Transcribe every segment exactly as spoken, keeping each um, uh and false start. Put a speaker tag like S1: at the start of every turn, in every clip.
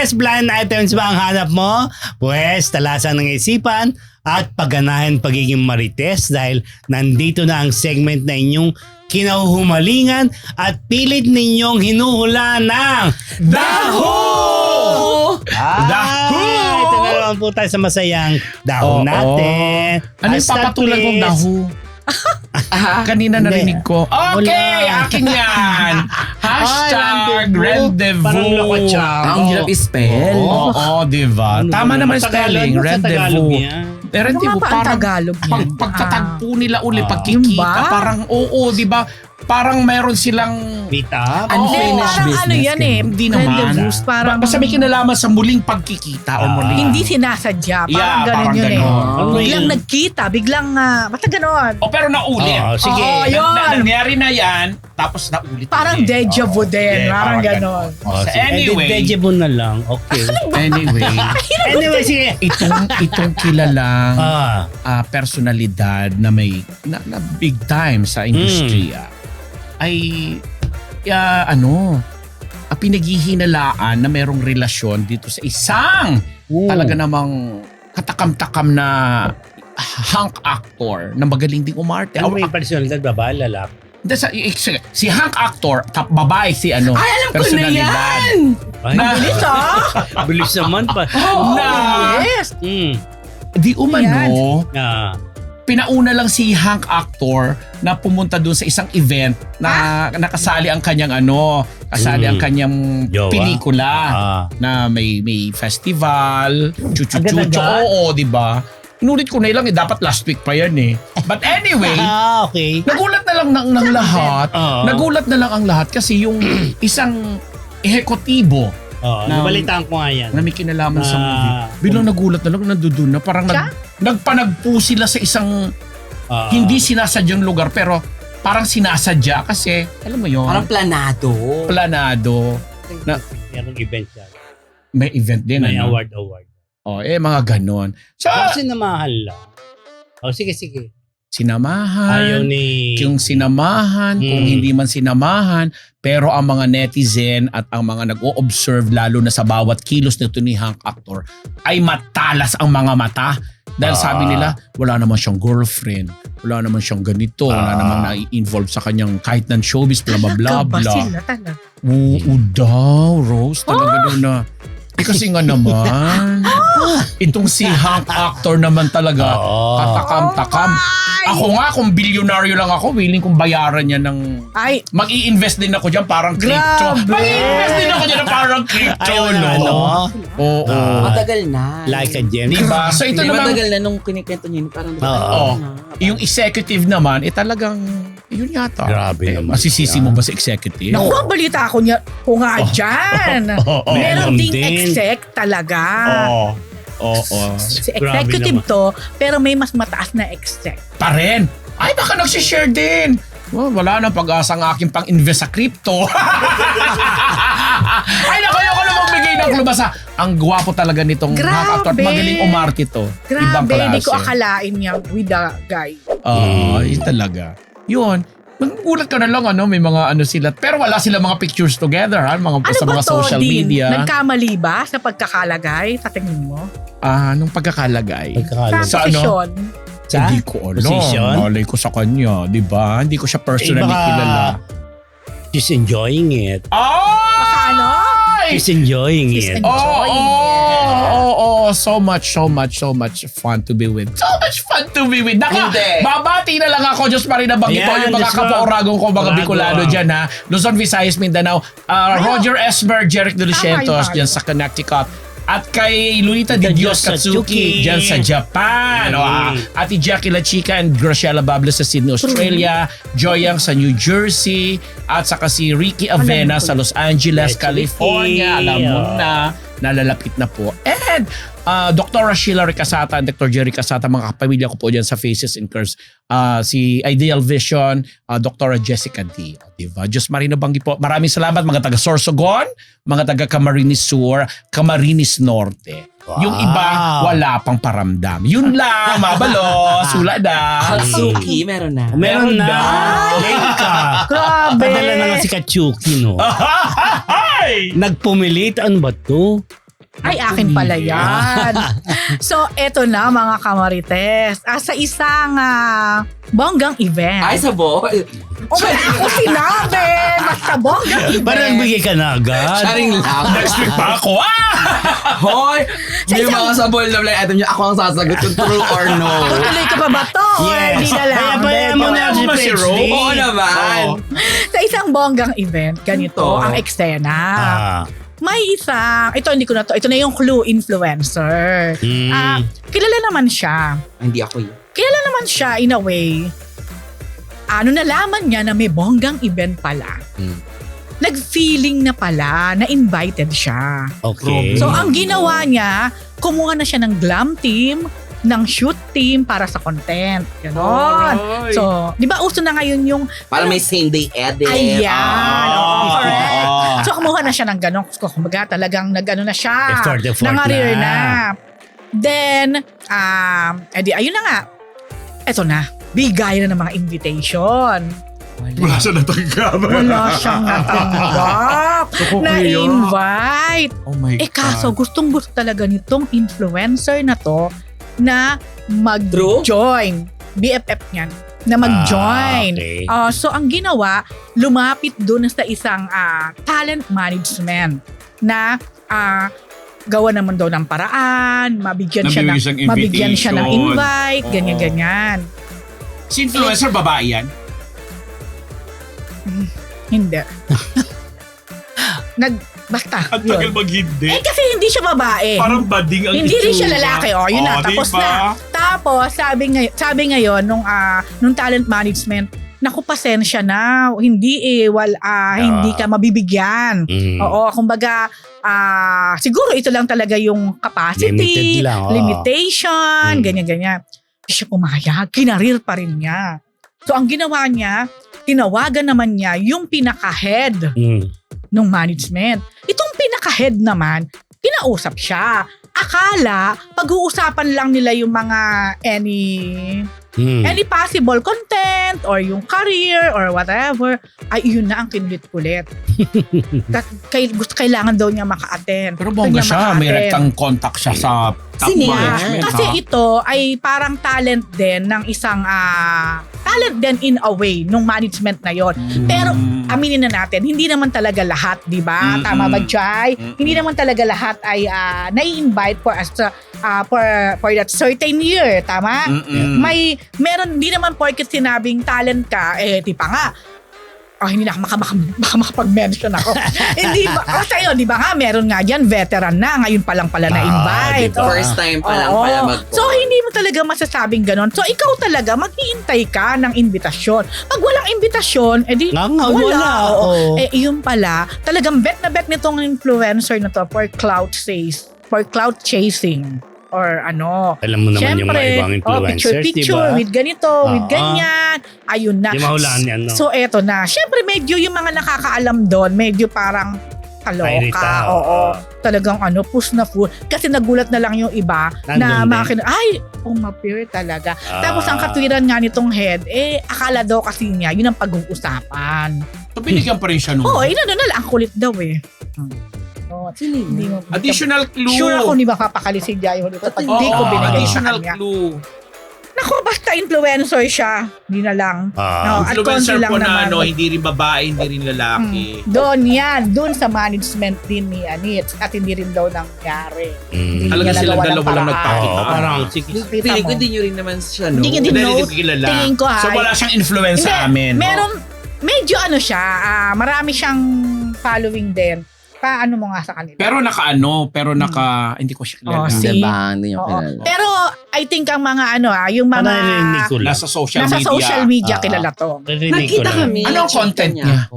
S1: Marites, blind items ba ang hanap mo? Pwes, talasan ng isipan at pagganahan pagiging Marites dahil nandito na ang segment na inyong kinahuhumalingan at pilit ninyong hinuhula ng
S2: Daho!
S1: Ah,
S2: Daho!
S1: Ito na naman po tayo sa masayang daho
S2: Oo.
S1: natin.
S2: Ano yung
S1: Hashtag
S2: papatulan kong
S1: please.
S2: daho? Kanina
S1: Hindi.
S2: narinig ko. Okay,
S1: Wala.
S2: akin yan. Hashtag
S1: rendezvous.
S2: rendezvous.
S1: Parang lokotsang.
S3: Ang hirap i-spell.
S2: Oo, oo, diba?
S1: Ano
S2: Tama
S1: ba
S2: naman
S1: yun?
S2: spelling.
S1: Tagalog, sa Tagalog
S2: Rendezvous.
S1: yan.
S2: Eh, rendezvous,
S4: Ano nga ba ang
S2: parang
S4: Tagalog
S2: pag,
S4: yan?
S2: pagtatagpo nila uli,
S1: Ah.
S2: pagkikita,
S4: Yun ba?
S2: parang oo, di ba? Parang mayroon silang
S1: Meet up?
S2: Ano?
S4: Hindi,
S3: Unfinished
S4: parang
S3: business.
S4: ano yan eh.
S2: Hindi naman.
S4: Rendezvous, parang
S2: Ba- basta may kinalaman sa muling pagkikita o
S1: Ah.
S2: muling
S4: hindi sinasadya. Parang
S2: Yeah,
S4: ganun
S2: parang
S4: yun eh.
S2: ganon.
S1: Ano
S4: Biglang
S1: yun?
S4: nagkita, biglang, uh, basta ganon.
S2: O pero naulit.
S1: Oo, sige.
S4: Oo,
S2: Na-
S4: yun.
S2: na- nangyari na yan, tapos naulit.
S4: Parang
S2: ulit.
S4: deja vu
S2: Oo,
S4: din,
S2: yeah,
S4: parang ganon.
S1: Oh,
S2: So,
S1: sige.
S2: anyway,
S1: Eh, Deja vu na lang. Okay.
S2: anyway,
S1: Anyway, sige.
S2: itong itong kilalang
S1: Ah,
S2: ah, personalidad na may na, na big time sa industriya ay ah, ano ah, pinaghihinalaan na merong relasyon dito sa isang
S1: Oo.
S2: talaga namang katakam-takam na hunk actor na magaling ding umarte.
S1: ano may
S2: Aw-
S1: personalidad, babae, lalaki?
S2: Hindi, sa, i- si hunk actor, tap babae si ano,
S3: Ay, alam ko na
S2: personalidad.
S3: yan!
S1: Ay,
S2: Na-
S4: Bilis ah!
S1: bilis naman pa.
S2: na
S4: Yes!
S1: Hmm.
S2: di umano,
S1: Ah.
S2: pinauna lang si hunk actor na pumunta doon sa isang event na nakasali ang kanyang ano, kasali
S1: Mm.
S2: ang kanyang
S1: Jowa?
S2: pelikula
S1: Ah.
S2: na may may festival, chuchu-chuchu,
S1: Agad-agad?
S2: oo, di ba? Inulit ko na lang, eh, dapat last week pa yan eh. But anyway,
S1: Ah, okay.
S2: nagulat na lang ng, ng lahat.
S1: Oo.
S2: Nagulat na lang ang lahat kasi yung isang ehekutibo
S1: Oh,
S2: Na-
S1: nabalitaan ko nga yan.
S2: na may kinalaman sa
S1: Na-
S2: movie. Biglang nagulat na lang, nandudun na. Parang
S4: Siya?
S2: nag, nagpanagpo sila sa isang
S1: Ah.
S2: hindi sinasadyang lugar pero parang sinasadya kasi alam mo yon,
S3: Parang planado.
S2: planado. Na-
S1: Merong event yan.
S2: May event din.
S1: May
S2: ano?
S1: award, award.
S2: Oh, eh mga ganon. So,
S1: Kasi namahal lang. Oh, sige, sige. Ayaw
S2: sinamahan.
S1: ni...
S2: Yung sinamahan, kung
S1: Hmm.
S2: hindi man sinamahan, pero ang mga netizen at ang mga nag-o-observe lalo na sa bawat kilos nito ni Hank Actor ay matalas ang mga mata. Dahil
S1: Ah.
S2: sabi nila, wala naman siyang girlfriend, wala naman siyang ganito, wala
S1: Ah.
S2: naman na-involve sa kanyang kahit ng showbiz, bla bla bla
S4: Talaga ba
S2: bla.
S4: sila talaga?
S2: Oo daw, Rose, talaga daw na. Eh kasi nga naman, itong si Hank Actor naman talaga,
S1: Oo.
S2: katakam-takam. Ako nga, kung bilyonaryo lang ako, willing kong bayaran niya ng...
S4: Ay,
S2: Mag-i-invest din ako dyan parang crypto.
S4: Grabe!
S2: Mag-i-invest din ako dyan na parang crypto,
S1: Ayaw
S2: no?
S1: na, ano?
S2: Oo.
S1: Ah.
S3: Matagal na.
S1: Like a gem.
S2: Diba? So ito
S3: Hindi,
S2: naman,
S3: matagal na nung kinikwento niyo, parang
S1: Oo.
S2: yung executive naman, eh talagang, yun yata.
S1: Grabe
S2: eh,
S1: naman
S2: Masisisi
S1: yan.
S2: mo ba sa executive?
S4: naku, ang balita ko niya, ko nga dyan.
S2: Oo.
S4: Meron
S1: Meron
S4: ding
S1: din.
S4: exec talaga.
S2: Oo. Oo.
S4: Si
S1: Grabe
S4: executive
S1: naman.
S4: to, pero may mas mataas na exec.
S2: Pa rin. Ay, baka nagsishare din. Well, wala nang pag-asa ang aking pang-invest sa crypto. Ay, naku, ayoko na magbigay ng klubasa. Ang gwapo talaga nitong
S4: Grabe.
S2: nakakatawa at magaling umarte to. Ibang
S4: Grabe,
S2: klase.
S4: hindi ko akalain niya with the guy.
S2: Oo,
S1: Mm.
S2: yun talaga. Yun. Magulat ka na lang, ano, may mga ano sila. Pero wala sila mga pictures together, ha? Mga,
S4: Ano
S2: sa
S4: ba
S2: mga
S4: to,
S2: social
S4: Dean?
S2: media.
S4: Nagkamali ba sa pagkakalagay sa tingin mo?
S2: Ah, nung pagkakalagay.
S1: Pagkakalam.
S2: Sa ano?
S4: posisyon?
S1: Sa
S2: Hindi ko alam.
S1: position?
S2: Malay ko sa kanya, di ba? Hindi ko siya personally
S1: Eh, baka-
S2: kilala.
S1: She's enjoying it.
S4: Baka ano?
S2: Ay!
S1: She's enjoying
S4: She's
S1: it.
S4: enjoying
S2: Oh,
S4: it.
S2: oh, oh, oh, so much, so much, so much fun to be with. So much fun to be with. Naka,
S3: Hindi.
S2: babati na lang ako, Diyos pa rin nabanggit ko
S1: Ayan,
S2: yung mga
S1: Diyos ko.
S2: kapaoragong ko, mga
S1: Orago,
S2: Bicolano
S1: ah.
S2: dyan, ha. Luzon, Visayas, Mindanao. Uh, Roger Esmer, Jeric De Lucientos,
S4: Tama,
S2: dyan sa Connecticut. At kay Lunita
S1: The
S2: Di Dios
S1: Diyos Katsuki.
S2: Katsuki, dyan sa Japan.
S1: Mm.
S2: O, ah, Ate Jackie La Chica and Graciela Bables sa Sydney, Australia. Joyang sa New Jersey. At saka si Ricky Avena
S4: ko
S2: sa Los Angeles,
S1: Yes,
S2: California.
S1: Ricky.
S2: Alam mo
S1: Oh.
S2: na, nalalapit na po. And uh, Doctor Sheila Ricasata and Doctor Jerry Casata, mga kapamilya ko po dyan sa Faces and Curves. Uh, si Ideal Vision, uh, Doctor Jessica D. Diba? Diyos Marino Banggi po. Maraming salamat mga taga Sorsogon, mga taga Camarines Sur, Camarines Norte.
S1: Wow.
S2: Yung iba, wala pang paramdam. Yun lang, mabalos, wala na.
S3: Katsuki, meron na.
S1: Meron na. Late ka.
S4: Grabe.
S1: Padala na nga si Katsuki, no?
S2: Ay!
S1: Nagpumilit. Ano ba to?
S4: Ay, akin pala yan. So, eto na mga kamarites. Ah, sa isang ah, bonggang event.
S3: Ay, sabol.
S4: O may ako sinabi! Basta bonggang event.
S1: Parang bigay ka na agad.
S3: Sharing lang.
S2: Next week pa ako. Ah!
S3: Hoy!
S4: Sa
S3: Yung
S4: isang-
S3: mga sabol na blind item niyo, ako ang sasagot kung true or no.
S4: Tutuloy ka pa ba to? Or
S1: Yes.
S4: Hindi na lang.
S1: Kaya bayaan mo na
S2: Bayaan
S1: si
S2: mo ba si
S1: Pets
S2: Ro?
S1: D?
S3: Oo naman.
S1: Oo.
S4: Sa isang bonggang event, ganito
S3: Ito.
S4: ang eksena.
S1: Ah.
S4: May isang, ito hindi ko na to, ito na yung clue influencer.
S1: Mm.
S4: Ah, kilala naman siya.
S3: Hindi ako yun.
S4: Kilala naman siya in a way. Ano nalaman niya na may bonggang event pala.
S3: Hmm.
S4: Nag-feeling na pala na invited siya.
S1: Okay.
S4: So ang ginawa niya, kumuha na siya ng glam team, ng shoot team para sa content. Ganon. So, di ba uso na ngayon yung
S3: Para may same day edit.
S4: ayan.
S1: Ah.
S4: oo, correct.
S1: Ah.
S4: So kumuha na siya ng ganon. Kumbaga talagang nag-ano na siya.
S1: Effort, effort
S4: Nangarir
S1: na.
S4: na. Then, um, edi ayun na nga. Eto na. Bigay na ng mga invitation.
S2: Wala siya natanggap.
S4: Wala siyang natanggap na invite.
S2: Oh my
S4: Eh kaso gustong gusto talaga nitong influencer na to na
S3: True?
S4: mag-join. B F F niyan. Na mag-join.
S1: Ah, okay.
S4: Ah, so ang ginawa, lumapit doon sa isang ah, talent management na ah, gawa naman daw ng paraan, mabigyan siya ng,
S2: Nabibigyan siyang
S4: mabigyan siya ng
S2: invitation.
S4: invite,
S2: Oo.
S4: ganyan-ganyan.
S2: Si influencer, babae yan?
S4: Hindi. Nag, basta,
S2: Ang tagal
S4: yun.
S2: mag-hindi.
S4: Eh kasi hindi siya babae.
S2: Parang bading ang
S4: Hindi rin
S2: itsura.
S4: siya lalaki. Oh, yun na.
S2: Oh,
S4: Tapos
S2: diba?
S4: na. Tapos, sabi, ngay sabi ngayon, nung, ah, nung talent management, naku, pasensya na. Hindi eh, wal, ah, hindi ka mabibigyan.
S1: Mm.
S4: Oo, kumbaga, ah, siguro ito lang talaga yung capacity,
S1: Limited lang, oo.
S4: limitation,
S1: Mm.
S4: ganyan-ganyan. Hindi siya pumayag, kinarir pa rin niya. So, ang ginawa niya, tinawagan naman niya yung pinaka-head
S1: Mm.
S4: ng management. Itong pinaka-head naman, kinausap siya. Akala, pag-uusapan lang nila yung mga any
S1: Mm.
S4: any possible content or yung career or whatever, ay yun na ang kinulit-kulit. Kat- kay, gusto, kailangan daw niya maka-attend.
S2: Pero
S4: Gusto
S2: bongga
S4: niya
S2: siya, may
S4: maka-attend.
S2: rectang contact siya sa top
S3: Sino yan?
S2: management.
S4: Kasi
S2: ha?
S4: ito ay parang talent din ng isang ah, talent din in a way nung management na yon. Pero
S2: Mm.
S4: aminin na natin, hindi naman talaga lahat, di ba?
S2: Mm-mm.
S4: Tama ba, Jai?
S2: Mm-mm.
S4: Hindi naman talaga lahat ay ah, nai-invite for, as, ah, for, for that certain year, tama?
S2: Mm-mm.
S4: May, meron, hindi naman porket sinabing talent ka, eh, di pa nga, oh, hindi na ako maka, maka, maka, makapag-mention ako. Hindi ba? O tayo, di ba nga, meron nga dyan, veteran na, ngayon pa lang pala
S1: Ah,
S4: na-invite.
S1: diba?
S4: Oh,
S3: First time pa lang
S4: oo.
S3: pala mag
S4: So, hindi mo talaga masasabing ganon. So, ikaw talaga, mag-iintay ka ng invitasyon. Pag walang invitasyon, edi
S1: Nga nga,
S4: wala.
S1: wala.
S4: oo.
S1: Oo.
S4: Eh, yun pala, talagang bet na bet nitong influencer na to for clout chase, for clout chasing. Or ano.
S1: Alam mo naman yung mga
S4: Syempre,
S1: ibang
S4: oh,
S1: influencers, di
S4: picture-picture
S1: ba?
S4: with ganito, with
S1: Oo.
S4: ganyan. Ayun na.
S1: Di mahulaan yan, no?
S4: So, eto na. Syempre, medyo yung mga nakakaalam doon, medyo parang
S1: Irita,
S4: kaloka. Oo.
S1: oo.
S4: Talagang ano, push na full. Kasi nagulat na lang yung iba na
S1: Nandun
S4: mga
S1: din.
S4: kin- ay, umappear talaga.
S1: Ah.
S4: Tapos ang katwiran nga nitong head, eh, akala daw kasi niya, yun ang pag-uusapan.
S2: So, binigyan pa rin siya nung
S4: Oo, oh, inano na lang, ang kulit daw eh. Oh,
S3: Sino yun?
S4: hindi mo,
S2: additional clue.
S4: Sure ako hindi makapakali si Jayo nito pag
S3: Oo,
S4: hindi ko
S2: Oo,
S4: binigay sa
S2: additional
S4: kanya.
S2: clue.
S4: Naku, basta influencer siya. Hindi na lang.
S1: Ah.
S4: No, at
S2: Influencer
S4: konti lang
S2: po na
S4: naman.
S2: ano, hindi rin babae, hindi rin lalaki.
S4: Hmm. Doon yan. Doon sa management din ni Anit. At hindi rin daw nangyari.
S1: Mm.
S2: Talaga
S4: niya
S2: silang
S4: nagawa ng
S2: dalawa lang
S4: paraan.
S2: nagpakita.
S1: Oo, parang, sige.
S4: Kita
S3: Pili
S4: mo.
S3: ko din nyo rin naman siya, no?
S4: Hindi ka din
S2: Hindi rin
S4: note.
S2: kilala.
S4: Tingin ko, ha?
S2: So, wala siyang influence sa
S4: Hindi,
S2: amin.
S4: Meron, medyo ano siya, ah, marami siyang following din. Paano mo nga sa kanila?
S2: Pero naka-ano, pero naka, hindi ko siya
S4: Oh,
S2: kilala.
S4: see?
S3: Diba? Hindi nyo
S4: Oo.
S3: kilala.
S4: Pero I think ang mga ano ah, yung
S1: Ano
S4: mga
S1: narinig ko lang?
S2: Nasa social
S4: nasa
S2: media.
S4: social media
S1: Ah.
S4: kilala to.
S1: Narinig ko
S3: Nakita
S1: lang.
S3: kami.
S2: Ano ang
S3: nakita
S2: content niya?
S3: ako.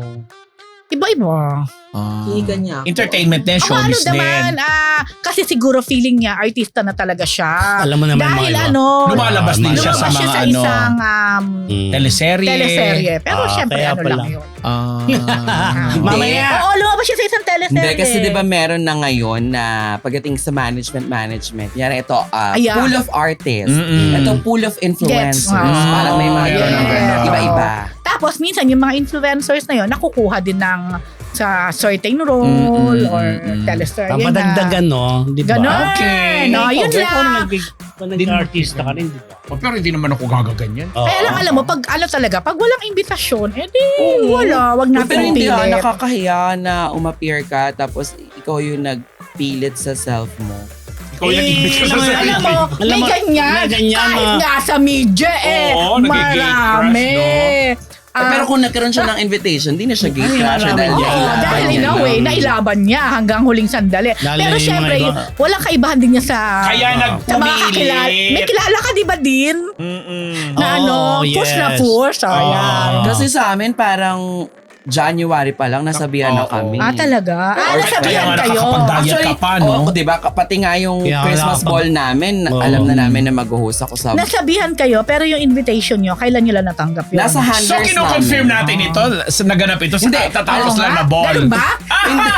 S4: Iba-iba.
S2: Ah.
S3: Kinigan niya ako.
S2: Entertainment din,
S4: Ang ano
S2: showbiz
S4: naman,
S2: din.
S4: ah, kasi siguro feeling niya, artista na talaga siya.
S1: Alam mo naman
S4: Dahil
S1: mga iba.
S4: ano,
S2: Lumalabas din siya
S4: lumabas
S2: sa
S4: siya
S2: mga
S4: sa
S2: ano,
S4: isang um,
S1: Mm.
S2: teleserye.
S4: teleserye. Pero
S1: Ah,
S4: syempre
S1: kaya
S4: ano
S1: pala.
S4: lang yun.
S2: Ah.
S1: Mamaya.
S4: Oo, lumabas siya sa isang teleserye.
S3: Hindi, kasi di ba meron na ngayon na pagdating sa management management, yan ito, uh,
S4: Ayan.
S3: pool of artists,
S2: Mm-mm.
S3: ito pool of influencers,
S4: Gets. Ah,
S3: parang may mga
S2: meron
S3: ganun.
S2: ng ganun.
S3: Iba-iba.
S4: Tapos minsan yung mga influencers na yun, nakukuha din ng sa certain role
S2: Mm, mm,
S4: or
S2: mm, mm.
S4: teleserye
S1: Ang
S4: na.
S1: padagdagan, no? Di ba?
S4: Ganon.
S2: Okay.
S4: No, yun
S1: Ikaw, kung
S4: lang.
S1: nag- kung nag-artista ka rin, di ba?
S2: Oh, pero hindi naman ako gagaganyan.
S1: Oo.
S4: Kaya lang alam mo, pag ano talaga, pag walang imbitasyon, edi wala, wag natin
S3: Pero hindi ah,
S4: pilit.
S3: nakakahiya na umappear ka tapos ikaw yung nagpilit sa self mo.
S2: Ikaw yung nag-ibig ka sa
S1: naman,
S2: sarili.
S4: Alam mo,
S1: Alam
S4: may
S1: mo,
S4: ganyan.
S1: may ganyan,
S4: Kahit
S1: mga-
S4: nga sa media eh.
S2: Oo, nagigay
S4: marami.
S2: crush,
S3: Eh,
S4: Ah,
S3: pero kung nagkaroon siya ng invitation, di na siya gay
S1: Ay,
S3: crusher
S1: alam
S3: dahil
S1: mo.
S4: Oo,
S3: nailaban
S4: dahil in
S3: niya
S4: a way,
S3: lang.
S4: nailaban niya hanggang huling sandali.
S1: Lalo
S4: Pero
S1: yung
S4: syempre,
S1: mga
S4: yun,
S1: iba.
S4: walang kaibahan din niya sa...
S2: Kaya
S1: Oo.
S4: sa mga kakilala. May
S2: nagpumilit.
S4: kilala ka di ba din?
S2: Mm-mm.
S4: Na
S1: Oo,
S4: ano, push na
S1: yes.
S4: push. Oh,
S1: Oo.
S4: yan.
S3: Kasi sa amin, parang January pa lang, nasabihan na
S2: Oo.
S3: kami.
S4: Ah, talaga? Ah,
S3: Or-
S4: nasabihan
S2: kaya nga
S4: kayo.
S2: nakakapagdaya ka pa, no?
S3: oo, diba? Pati nga yung
S1: Kaya
S3: Christmas
S1: nakapag-
S3: ball namin,
S1: Oo.
S3: alam na namin na mag-host ako sa...
S4: Nasabihan kayo, pero yung invitation nyo, kailan nyo lang natanggap yun?
S3: Nasa handlers
S2: So, kino-confirm
S3: namin.
S2: natin ito sa naganap ito sa
S3: Hindi.
S2: tatapos
S4: Oo
S2: lang
S4: nga.
S2: na ball.
S4: Ganun ba?
S3: Hindi.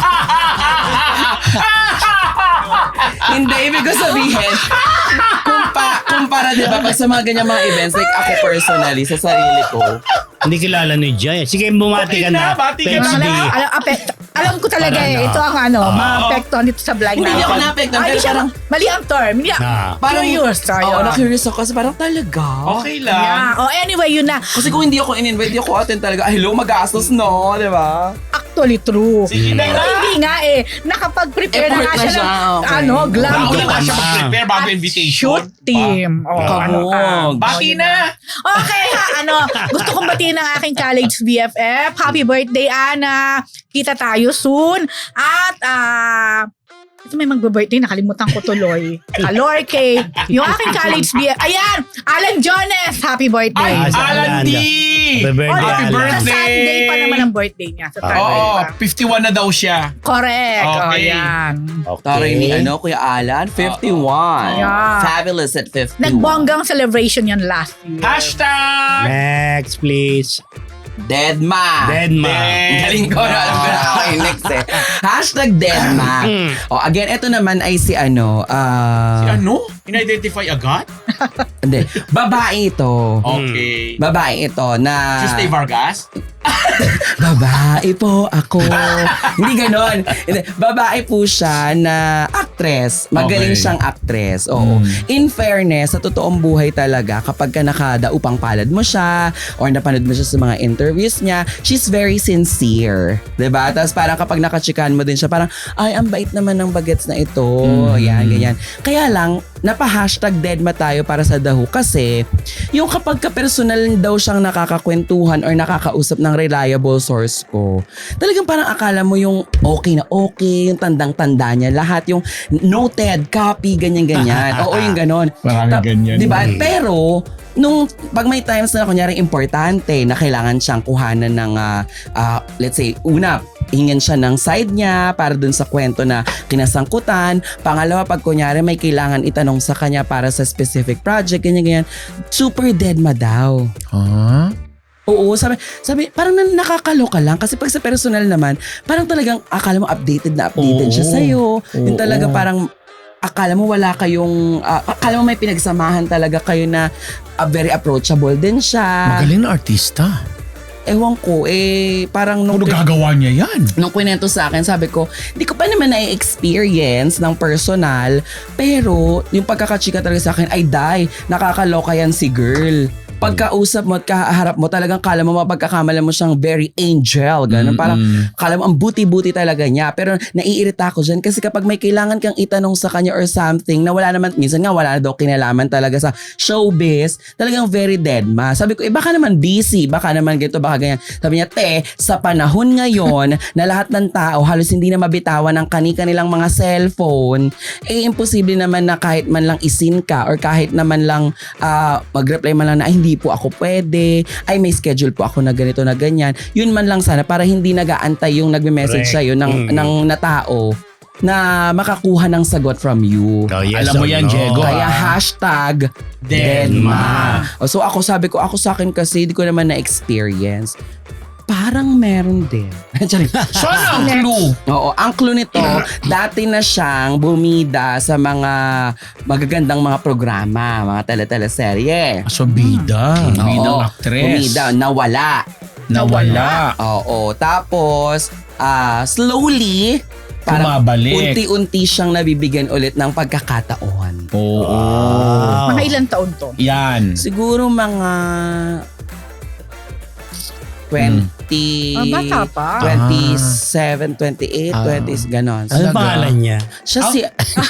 S3: Hindi, ibig ko sabihin, kumpa, kumpara, di ba, pag sa mga ganyan mga events, like ako personally, sa sarili ko,
S1: Hindi kilala ni Jay. Sige, bumati
S2: Okay
S1: ka
S2: na,
S1: na.
S2: bati ka
S1: Thanks,
S2: na.
S1: B.
S4: Alam, alam, apekto. Alam ko talaga
S1: Para
S4: eh.
S1: na.
S4: Ito ang ano,
S2: Oo.
S4: ma-apektuhan dito sa blind
S3: Hindi,
S4: natin.
S3: hindi ako na-apektuhan,
S4: Ay,
S3: pero
S4: di siya-
S3: parang-
S4: mali ang term. Hindi,
S1: Ah.
S3: parang,
S4: curious.
S3: oo,
S4: Ayun.
S3: na-curious ako kasi parang talaga.
S2: Okay lang.
S4: Yeah. Oh, anyway, yun na.
S3: Kasi kung hindi ako in-invite, hindi ako attend talaga. Ay, hello, magastos, no? Di ba?
S4: Actually true.
S2: Sige na
S4: Pero
S2: nga.
S4: hindi nga eh. Nakapag-prepare na
S3: Effort
S4: nga
S3: na
S4: siya ng
S3: siya, okay.
S4: ano, glam
S2: Bago
S1: Bago
S2: na siya
S1: na.
S2: mag-prepare bago
S4: at
S2: invitation.
S4: shoot team. Oh,
S1: Ah.
S4: ano ka.
S3: Kabog.
S2: Bati na.
S4: Okay ha, ano, gusto kong batiin ang aking college B F F. Happy birthday, Ana. Kita tayo soon. At, ah, ito may magbe-birthday, nakalimutan ko tuloy. Kalor K. Yung aking college B F F. Ayan! Alan Jones! Happy birthday!
S2: Ay,
S1: Ah, sa
S2: Alan
S1: Alan.
S2: D!
S1: Happy birthday,
S4: Oh,
S2: Happy
S1: Alan.
S2: birthday!
S4: Sa Sunday pa naman ang birthday niya. Sa Sunday
S2: Oo,
S4: pa.
S2: fifty-one na daw siya.
S4: Correct. Oh,
S2: Okay.
S4: yan.
S1: Okay.
S3: Taray ni ano, Kuya Alan, fifty-one.
S4: Yeah.
S3: Fabulous at fifty-one.
S4: Nagbonggang celebration yan last year.
S2: Hashtag!
S1: Next, please.
S3: Deadma.
S1: Deadma.
S3: Ang galing ko na alam ko na ako yung next eh. Hashtag Deadma. O again, ito naman ay si ano, ah,
S2: Si ano? In-identify agad?
S3: hindi, babae ito.
S2: Okay.
S3: Babae ito na...
S2: Si Steve Vargas?
S3: Babae po ako. Hindi ganon. Hindi, babae po siya na actress. Magaling
S2: Okay.
S3: siyang actress. Oo.
S2: Mm.
S3: In fairness, sa totoong buhay talaga, kapag ka nakadaupang palad mo siya or napanood mo siya sa mga interviews niya, she's very sincere. Diba? Tapos parang kapag nakachikan mo din siya, parang, ay, ang bait naman ng bagets na ito.
S2: Mm.
S3: Yan, ganyan. Kaya lang, napa-hashtag deadma tayo para sa daho kasi yung kapag ka-personal daw siyang nakakakwentuhan or nakakausap ng reliable source ko, talagang parang akala mo yung okay na okay, yung tandang-tanda niya, lahat yung noted, copy, ganyan-ganyan. Oo, yung ganon.
S2: Maraming
S3: Ta-
S2: ganyan.
S3: Diba? Pero, nung pag may times na kunyari importante na kailangan siyang kuhanan ng, ah, ah, let's say, una, hingin siya ng side niya para dun sa kwento na kinasangkutan. Pangalawa, pag kunyari may kailangan itanong sa kanya para sa specific project, ganyan-ganyan, super deadma daw.
S2: Huh?
S3: Oo, sabi, sabi parang nan- nakakaloka lang kasi pag sa personal naman, parang talagang akala mo updated na updated
S2: Oo.
S3: siya sa'yo. Yung
S2: Oo.
S3: talaga parang akala mo wala kayong, ah, akala mo may pinagsamahan talaga kayo na ah, very approachable din siya.
S2: Magaling na artista.
S3: Ewan ko, eh, parang nung,
S2: Ano gagawa niya yan?
S3: nung kwento sa akin, sabi ko, hindi ko pa naman na-experience ng personal, pero yung pagkakachika talaga sa akin, ay die, nakakaloka yan si girl. Pagkausap mo at kaharap mo, talagang kala mo mapagkakamala mo siyang very angel. Ganun. Parang kala mo ang buti-buti talaga niya. Pero naiirita ako dyan kasi kapag may kailangan kang itanong sa kanya or something na wala naman, minsan nga wala na daw kinalaman talaga sa showbiz, talagang very dead ma. Sabi ko, eh baka naman busy, baka naman ganito, baka ganyan. Sabi niya, te, sa panahon ngayon na lahat ng tao halos hindi na mabitawan ang kani-kanilang mga cellphone, eh imposible naman na kahit man lang isin ka or kahit naman lang ah, mag-reply man lang na, ay hindi po ako pwede, ay may schedule po ako na ganito na ganyan. Yun man lang sana para hindi nag-aantay yung nagme-message
S1: Correct.
S3: sa'yo ng,
S1: Mm.
S3: ng na tao na makakuha ng sagot from you.
S1: Oh, yes
S2: Alam mo
S1: or
S2: yan,
S1: no?
S2: Diego.
S3: Kaya
S2: ah.
S3: hashtag
S2: Deadma.
S3: Deadma. O, So ako sabi ko, ako sa akin kasi hindi ko naman na-experience. Parang meron din. Charing.
S2: So ano ang clue?
S3: Oo, ang clue nito, dati na siyang bumida sa mga magagandang mga programa, mga tele-teleserye.
S2: So bida.
S3: Oo,
S2: Bidang actress.
S3: Bumida, nawala.
S2: Nawala.
S3: Oo. Tapos, ah slowly, parang
S2: Bumabalik.
S3: unti-unti siyang nabibigyan ulit ng pagkakataon.
S2: Oo.
S1: Wow.
S4: Mga ilang taon to?
S2: Yan.
S3: Siguro mga twenty,
S4: Ah, bata pa.
S3: twenty-seven, twenty-eight,
S2: Ah.
S3: twenty, ganon.
S1: Ano
S2: Talaga?
S1: pangalan niya?
S3: Siya
S2: Ah,
S3: si...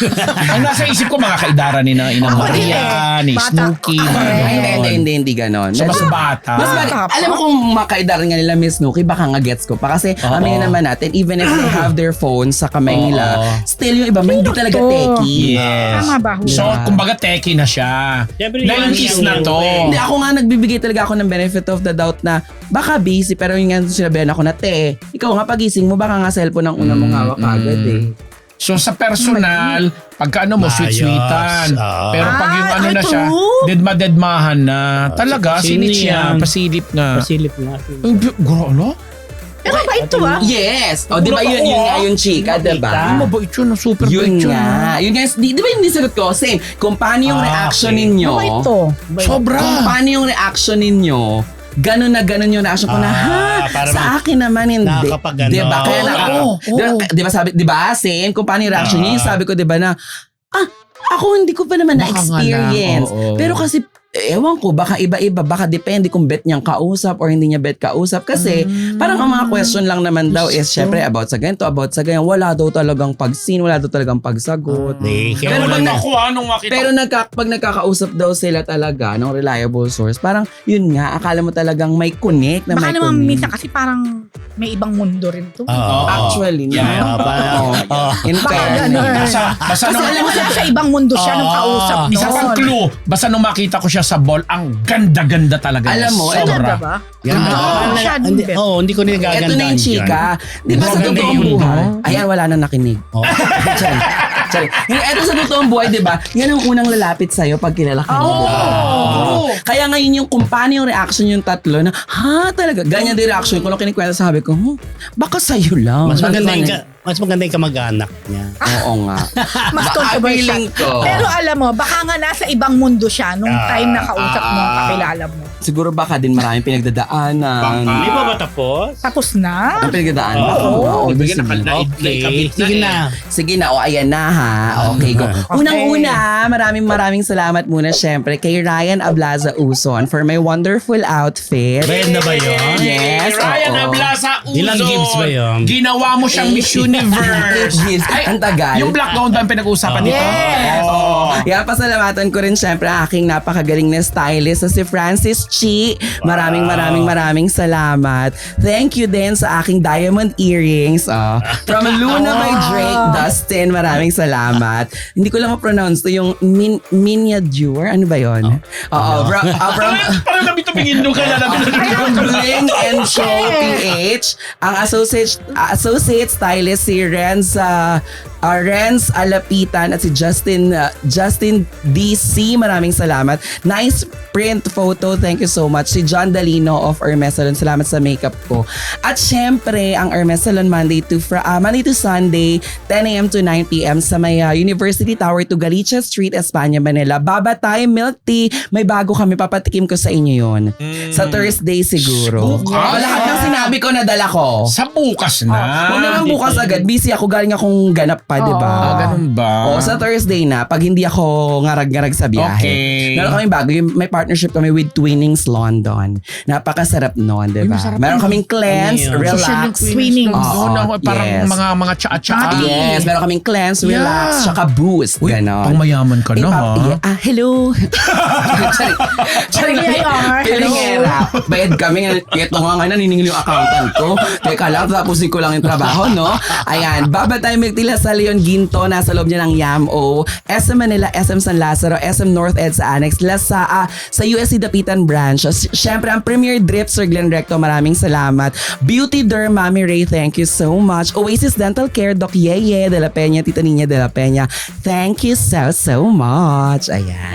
S2: Ang nasa isip ko mga kaidara ni na Ina
S4: Ako
S2: Maria, ni
S4: Bata.
S2: Snooki, mga
S4: Ay,
S3: Ay, hindi, hindi,
S2: ganon.
S3: hindi, hindi ganon.
S2: So, mas
S3: Medyo-
S2: bata.
S3: Mas
S4: Ah.
S3: bali,
S4: Bata pa.
S3: alam mo kung makaidar nga nila Miss Snooki, baka nga gets ko pa. Kasi
S2: Oo.
S3: aminin naman natin, even if they have their phones sa kamay
S2: Oo.
S3: nila, still yung iba, hindi talaga
S4: to?
S3: techie.
S2: Yes.
S4: Tama ba?
S2: So,
S3: Yeah.
S2: kumbaga teki na siya.
S1: Siyempre,
S2: nineties
S1: yung-
S2: na to.
S3: Hindi, ako nga nagbibigay talaga ako ng benefit of the doubt na baka busy, pero yung nga sinabihan ako na, te, ikaw nga pagising mo, baka nga cellphone ang una mong
S2: Mm,
S3: hawak agad
S2: mm.
S3: eh.
S2: So sa personal, pagka ano mo,
S1: Maayos.
S2: sweet-sweetan.
S1: Oo.
S2: Pero pag yung
S4: Ah,
S2: ano na
S4: ito.
S2: siya, dedma-dedmahan na. Talaga,
S1: Sino
S2: sinit siya,
S1: yan?
S2: pasilip nga.
S1: Pasilip nga.
S2: Ang bi- Guro,
S4: Pero ba ito ah?
S3: Yes! O, di ba yun, yun nga yung chika, di ba?
S2: Ang mabait yun, ang super
S3: Yun
S2: bait yun.
S3: nga. Yun nga, di, di ba yung nisagot ko? Same. Kung paano yung
S1: Ah,
S3: reaction
S1: okay.
S3: ninyo.
S4: Ano ba ito?
S2: Sobra.
S3: Kung paano yung reaction ninyo, ganun na ganun yung reaction ko na,
S1: Ah,
S3: ha?
S1: para
S3: Sa
S1: mag-
S3: akin naman hindi.
S1: nakakapag-ano.
S3: Di ba? Kaya
S2: Oo,
S3: naka,
S2: oo,
S3: di, ba,
S2: oo.
S3: di ba sabi, di ba? Same. Kung paano yung reaction
S1: Ah.
S3: niya, yung sabi ko, di ba na, ah, ako hindi ko pa naman
S2: Baka nga
S3: na-experience.
S2: lang, oo.
S3: Pero kasi, ewan ko, baka iba-iba, baka depende kung bet niyang kausap or hindi niya bet kausap. Kasi, parang ang mga question lang naman daw is, syempre, about sa ganito, about sa ganyan. Wala daw talagang pag-scene, wala daw talagang pagsagot.
S1: Hindi, kaya
S3: Pero
S1: wala
S3: pag
S1: na.
S2: Naku, anong makita?
S3: Pero nagka, pag nagkakausap daw sila talaga ng reliable source, parang yun nga, akala mo talagang may connect na
S4: Baka
S3: may
S4: naman
S3: connect.
S4: minsan kasi parang may ibang mundo rin to.
S1: Oo.
S3: Actually, no.
S2: Yeah.
S1: Oo, parang-
S3: Oo.
S1: oo.
S3: In
S4: Baka
S3: fairness.
S4: ganun.
S2: Basta, basta
S4: Kasi
S2: nung,
S4: alam mo sa ibang mundo siya nung
S1: Ah,
S4: kausap doon.
S2: isa pang clue, basta nung makita ko siya sa ball, ang ganda-ganda talaga.
S3: Alam
S2: niya.
S3: mo,
S2: Sobra.
S4: Talaga ba?
S1: Yan,
S2: Ah,
S1: ah,
S4: siya din,
S1: hindi,
S4: Bet.
S1: oh, hindi ko
S3: Ito
S1: nagagandaan
S3: na yung chika. Di ba sa
S1: Maganda
S3: totoong
S1: yun,
S3: buhay?
S2: no?
S3: Ayan, wala nang nakinig.
S1: Oh.
S3: Sorry. Sorry. Ito sa totoong buhay, di ba? Yan ang unang lalapit sa'yo pag kilala ka.
S4: Oo.
S3: Oo. Kaya ngayon yung kung paano yung reaction yung tatlo na, ha, talaga. Ganyan din reaction ko. Nung kinikwento sabi ko, hmm, baka sa'yo lang.
S1: Mas maganda yung,
S3: Ganyan.
S1: ka- mas maganda yung kamag-anak niya.
S3: Oo nga.
S4: Mas
S3: Ba-
S4: controversial.
S3: feeling ko.
S4: Pero alam mo, baka nga nasa ibang mundo siya nung
S1: Ah,
S4: time na kausap mo,
S3: ah.
S4: kakilala mo.
S3: Siguro baka din maraming pinagdadaanan.
S2: Baka.
S1: Hindi pa ba tapos?
S4: Tapos na?
S3: Ang pinagdadaanan.
S1: Oo.
S3: Oo,
S2: Ibigay na
S3: sige.
S2: kalda.
S1: Okay, sige na.
S3: Sige na, o ayan na ha. Okay, go. Unang-una, maraming maraming salamat muna syempre kay Ryan Ablaza Uson for my wonderful outfit.
S1: Bayad na ba yun?
S3: Yes,
S2: Ryan
S3: oo.
S2: Ablasa Uzon.
S1: Ilang gifts ba yun?
S2: Ginawa mo siyang Miss Universe.
S3: Yes, ang tagal.
S2: Yung black gown ba ang pinag-uusapan dito?
S4: Yes.
S2: Oo.
S3: Kaya pasalamatan ko rin syempre ang aking napakagaling na stylist na si Francis Chi. Maraming
S1: Wow.
S3: maraming maraming salamat. Thank you din sa aking diamond earrings. Oh. From Luna by Drake, Dustin, maraming salamat. Hindi ko lang ma-pronounce to yung min miniature. Ano ba yun? Oo. From, uh, from,
S2: Parang nabi tumingin doon ka na nabi
S3: from Bling and Show P H, ang associate associate stylist si Renz uh, uh, Renz Alapitan at si Justin uh, Justin D C. Maraming salamat. Nice print photo. Thank you so much. Si John Dalino of Hermes Salon. Salamat sa makeup ko. At syempre, ang Hermes Salon Monday to Fr- uh, Monday to Sunday, ten a.m. to nine p.m. sa may uh, University Tower to Galicia Street, Espanya, Manila. Baba tayo, milk tea. May bago kami. Papatikim ko sa inyo yun. Sa Thursday siguro.
S2: Bukas?
S3: Oh, lahat ng sinabi ko nadala ko.
S2: Sa bukas na.
S3: Huwag naman bukas agad. Busy ako. Galing akong ganap pa, di ba?
S2: Ah, ganun ba?
S3: Oo, sa Thursday na. Pag hindi ako ngarag-ngarag sa biyahe.
S2: Okay.
S3: Meron kaming bago. Yung, may partnership kami with Twinnings London. Napakasarap noon, di ba?
S2: masarap
S3: Meron
S2: yun.
S3: kaming cleanse,
S1: Ano yun?
S3: relax.
S4: Swimming.
S3: Oo,
S2: Doon ako, parang
S3: yes.
S2: mga mga tsaa-tsaa.
S3: Yes, meron kaming cleanse,
S2: Yeah.
S3: relax, tsaka boost.
S2: Uy,
S3: Ganon.
S2: pang mayaman ka na,
S3: Eh,
S2: ha?
S3: pa- yeah, ah, hello. Sorry. Sorry.
S4: P I R,
S3: Feeling
S4: hello.
S3: era. Bayad kami. Ito nga nga naniningil yung accountant ko. Teka lang, tapusin ko lang yung trabaho, no? Ayan. Baba tayo Magtila sa Leon Ginto. Nasa loob niya ng Y A M O. S M Manila, S M San Lazaro, S M North Ed sa Annex. Lasa, ah, sa U S C Dapitan Branch. Siyempre, ang Premier Drip, Sir Glenn Recto. Maraming salamat. Beauty Derm, Mami Ray. Thank you so much. Oasis Dental Care, Doc Yeye de la Peña, Tita Niña de la Peña. Thank you so, so much. Ayan.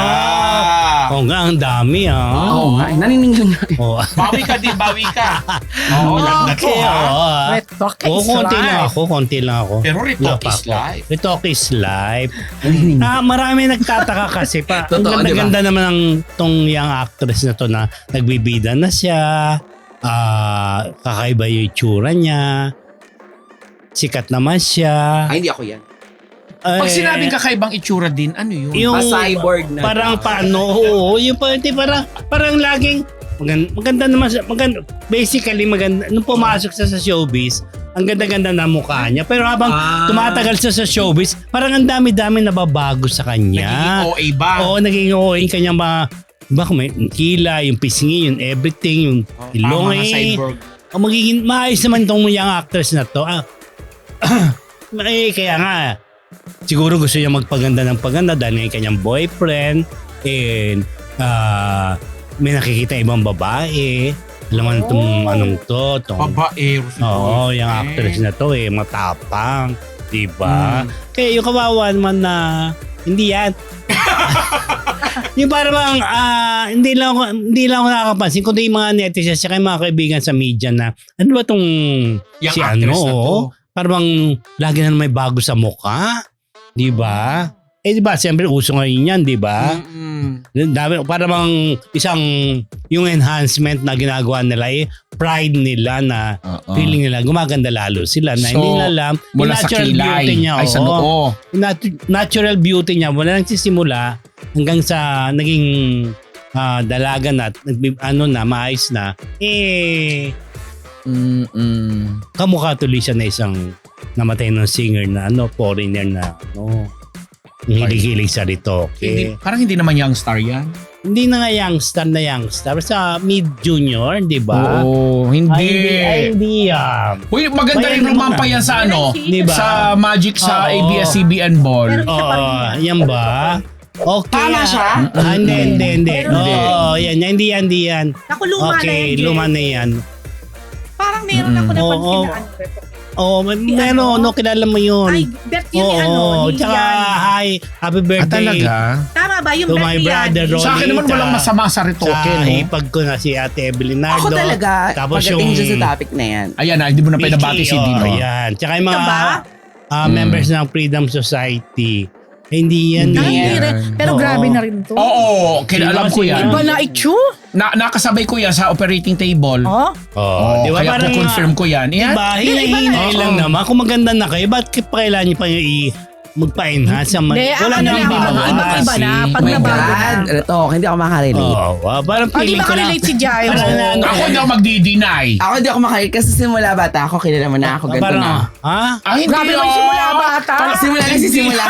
S1: Ah. Oo nga, ang dami ah.
S3: Oo nga, eh, naniningil nga. eh.
S1: Oo.
S2: Bawi ka din, bawi ka. Oo, lagnat ko,
S1: Okay,
S2: ha?
S1: oo, ah.
S4: Red Talk
S1: Oo,
S4: is
S1: konti lang
S4: life.
S1: ako, konti lang ako.
S2: Pero Retalk
S1: Wala pa
S2: is
S1: ako.
S2: life.
S1: Retalk is life.
S3: Naniningil.
S1: Ah, marami nagtataka kasi pa. Ang
S3: Totoo, di ba?
S1: ganda-ganda naman ng tong young actress na to na nagbibida na siya. ah, kakaiba yung itsura niya. Sikat naman siya.
S3: Ay, hindi ako yan.
S2: Pag
S1: Eh,
S2: sinabing kakaibang itsura din, ano yun?
S1: yung
S3: Pa-cyborg na.
S1: parang paano, oo, yung parang, parang, parang laging, maganda, maganda naman, siya- maganda, basically maganda, nung pumasok siya sa showbiz, ang ganda-ganda na mukha niya. Pero habang
S2: Ah.
S1: tumatagal siya sa showbiz, parang ang dami-dami nababago sa
S2: Nagiging
S1: kanya.
S2: O A ba?
S1: Oo, naging O A yung kanyang mga, ba kung may kila, yung pisngi, yung everything, yung ilong
S2: Ah, mga
S1: eh.
S2: cyborg.
S1: O magiging, maayos naman tong young actress na to. Ah, eh, kaya nga, siguro gusto niya magpaganda ng paganda dahil nga yung kanyang boyfriend and ah, may nakikita ibang babae. Alam mo na itong anong to. Tong,
S2: Babaero si
S1: oo,
S2: boy.
S1: yung actress na to eh, matapang. Diba?
S2: Hmm.
S1: Kaya yung kawawa naman na, hindi yan. yung para bang, ah, hindi lang ako, hindi lang ako nakakapansin, kundi yung mga netizens, saka yung mga kaibigan sa media na, ano ba tong
S2: Yung
S1: si
S2: actress
S1: ano,
S2: na to.
S1: oh, parang lagi na may bago sa mukha. Di ba? Eh di ba, siyempre uso ngayon yan, di ba?
S2: Mm-mm.
S1: Dami, para bang isang, yung enhancement na ginagawa nila eh, pride nila na
S2: Oo.
S1: feeling nila, gumaganda lalo sila na
S2: So,
S1: hindi nila alam, yung
S2: Mula sa
S1: natural
S2: kilay.
S1: beauty niya.
S2: Ay, sa
S1: oo.
S2: noo.
S1: Yung nat- natural beauty niya, wala nang sisimula hanggang sa naging ah, dalaga na, at nagbi- ano na, maayos na, eh,
S2: Mm-mm.
S1: kamukha tuloy siya na isang namatay ng singer na ano, foreigner na ano, hilig-hilig sa ritoke.
S2: Hindi, parang hindi naman young star yan.
S1: Hindi na nga youngstar na youngstar. Sa mid-junior, di ba?
S2: Oo, hindi.
S1: Ay, hindi, ay, hindi yan.
S2: Uy, maganda
S1: May
S2: rin
S1: ano
S2: rumampa
S1: na.
S2: yan sa ano,
S1: Di ba?
S2: sa Magic sa
S1: Oo.
S2: A B S C B N Ball.
S4: Pero-
S1: Oo, yan ba? Okay.
S3: Tama siya?
S1: Ah, hindi, hindi, hindi.
S4: Pero-
S1: Oo, yan, yan, hindi yan, hindi yan.
S4: Naku, luma na
S1: Okay,
S4: yan, Jen.
S1: luma na yan.
S4: Parang meron ako
S1: Mm.
S4: napansin
S1: Oo.
S4: na ano.
S1: Oo, may-
S4: Si
S1: meron,
S4: ano?
S1: no, kilala mo yun.
S4: Ay, bet yun ni ano,
S1: Oo,
S4: ni
S1: tsaka,
S4: Yan.
S1: hi, happy birthday.
S4: Tama ba? Yung
S1: To
S4: bet
S1: my
S4: ni Yan.
S1: brother, Ron.
S2: Sa akin naman walang masama sa ritoke,
S1: Sa
S2: no?
S1: hipag ko na si Ate Evelyn Nardo.
S3: Ako talaga,
S1: Tapos
S3: pagdating
S1: yung-
S3: dyan sa topic na yan.
S2: Ayan na, hindi mo na
S1: Mickey,
S2: pinabati si
S1: oh,
S2: Dino.
S1: Yan. Tsaka yung mga
S4: Ito ba?
S1: ah,
S2: Mm.
S1: members ng Freedom Society. Eh, hindi yan.
S2: Hindi
S4: Ah,
S1: eh.
S4: hindi
S2: yan.
S4: rin. Pero
S1: Oo.
S4: grabe na rin to.
S2: Oo, kailan alam ko yan.
S4: Iba na itsyo.
S2: Na, nakasabay ko yan sa operating table.
S4: Oh?
S1: Oo,
S2: Oh,
S1: di ba?
S2: kaya
S1: Parang,
S2: confirm ko yan. Yan.
S1: Diba? Hinahinay
S2: Oo.
S1: lang naman. Kung maganda na kayo, ba't pa kailangan nyo pa yung i- magpa-enhance? Ang-
S4: Hindi,
S1: Wala
S4: ano
S1: nang
S4: lang,
S1: bawas.
S4: iba- iba na.
S2: Oh
S4: Pag
S3: Oh my
S4: nabago na.
S3: God, ito, hindi ako makarelate.
S1: Oo, ah, parang
S4: Oh, di
S1: feeling
S4: ba
S1: ko na.
S4: ka-relate si Jai?
S1: Parang na, ano,
S2: Ako hindi ako magdi-deny.
S3: Ako hindi ako makarelate kasi simula bata ako, kilala mo na ako, ganito
S1: parang,
S3: na.
S1: ha?
S2: Ah, hindi.
S4: Grabe naman
S2: oh.
S4: simula bata.
S3: Simula na sisimula.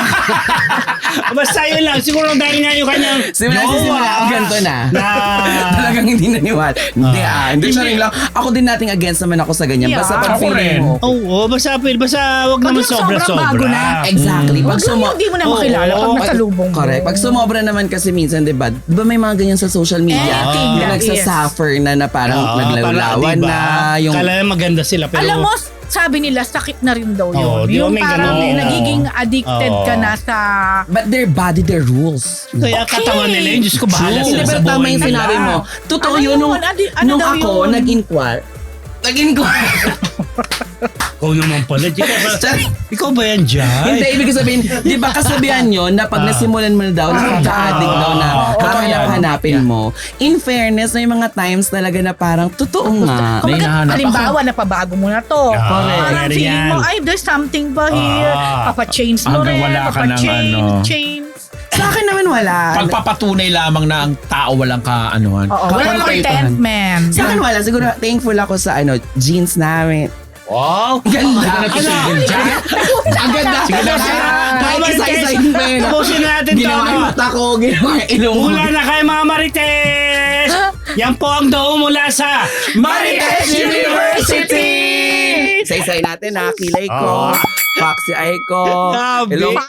S1: Basta yun lang. Siguro dahil nga yung kanyang
S3: Simula na sisimula ako, ganito na.
S1: na
S3: Talagang hindi naniwala. Hindi ah, hindi siya rin lang. Ako din nating against naman ako sa ganyan.
S4: Yeah.
S3: Basta pag
S2: Ako
S3: feeling
S2: rin.
S3: mo.
S1: Oo, basta, basta wag
S4: Pag
S1: naman
S4: yung sobrang
S1: sobra-sobra.
S4: bago na.
S3: Exactly. Pag
S4: Pag
S3: sumo...
S4: hindi mo na makilala pag
S1: Oo.
S4: nasalubong mo.
S3: Correct. Pag sumobra naman kasi minsan, di ba? Di ba may mga ganyan sa social media
S4: Eh,
S3: na
S4: tingnan,
S3: nagsasuffer na na parang
S1: Oo,
S3: naglalawan
S1: parang, diba,
S3: na. Yung,
S1: Kala na maganda sila pero
S4: Alam mo, sabi nila sakit na rin daw yun.
S1: Oo, di ba
S4: yung
S1: may
S4: parang
S1: ganun?
S4: nagiging addicted
S1: Oo.
S4: ka na sa...
S3: but their body, their rules.
S1: kaya katawan nila yun. Diyos ko, bahala
S3: Hindi,
S1: sila sa
S3: pero tama
S1: buhay
S3: yung
S1: nila.
S3: sinabi mo. Totoo
S4: Ano
S3: yun, nung,
S4: yun? Adi- ano
S3: nung
S4: daw
S3: ako
S4: yun?
S3: nag-inquire. Nag-inquire.
S1: Ikaw naman pala. Ikaw ba, ikaw ba yan, Jai?
S3: Hindi, ibig sabihin, di ba kasabihan yun na pag
S1: Ah.
S3: nasimulan mo na daw, nakaka-addict daw na
S1: Oo,
S3: hahanap-hanapin mo. In fairness, may mga times talaga na parang, totoo nga.
S2: May
S4: Kumbaga,
S2: nahanap
S4: halimbawa, napabago mo na to.
S1: Ah,
S4: Parang
S1: meron
S4: feeling
S1: yan.
S4: mo, ay, there's something ba here?
S1: Ah.
S4: Papa-change mo
S2: Hanggang
S4: rin.
S2: wala ka ng
S4: Papa-change,
S2: ano.
S4: change.
S3: Sa akin naman wala.
S2: Pagpapatunay lamang na ang tao walang kaanuhan.
S4: Oo, walang
S3: Contentment.
S4: contentment.
S3: Sa akin wala. Siguro thankful ako sa ano jeans namin.
S1: Wow!
S3: Ganda.
S2: Ano?
S3: Ang ganda.
S1: Sige na, sige na.
S3: Kahit
S1: Marites,
S3: isa-isahin pa yun.
S1: tapusin natin to.
S3: Ginawa yung mata ko, ginawa yung ilong ko.
S1: Hula na kayo mga Marites! Yan po ang daw mula sa
S3: Marites University! Isa-isahin natin ha. Kilay ko.
S1: Ah.
S3: Foxy eye ko.
S1: Grabe.
S3: Ilong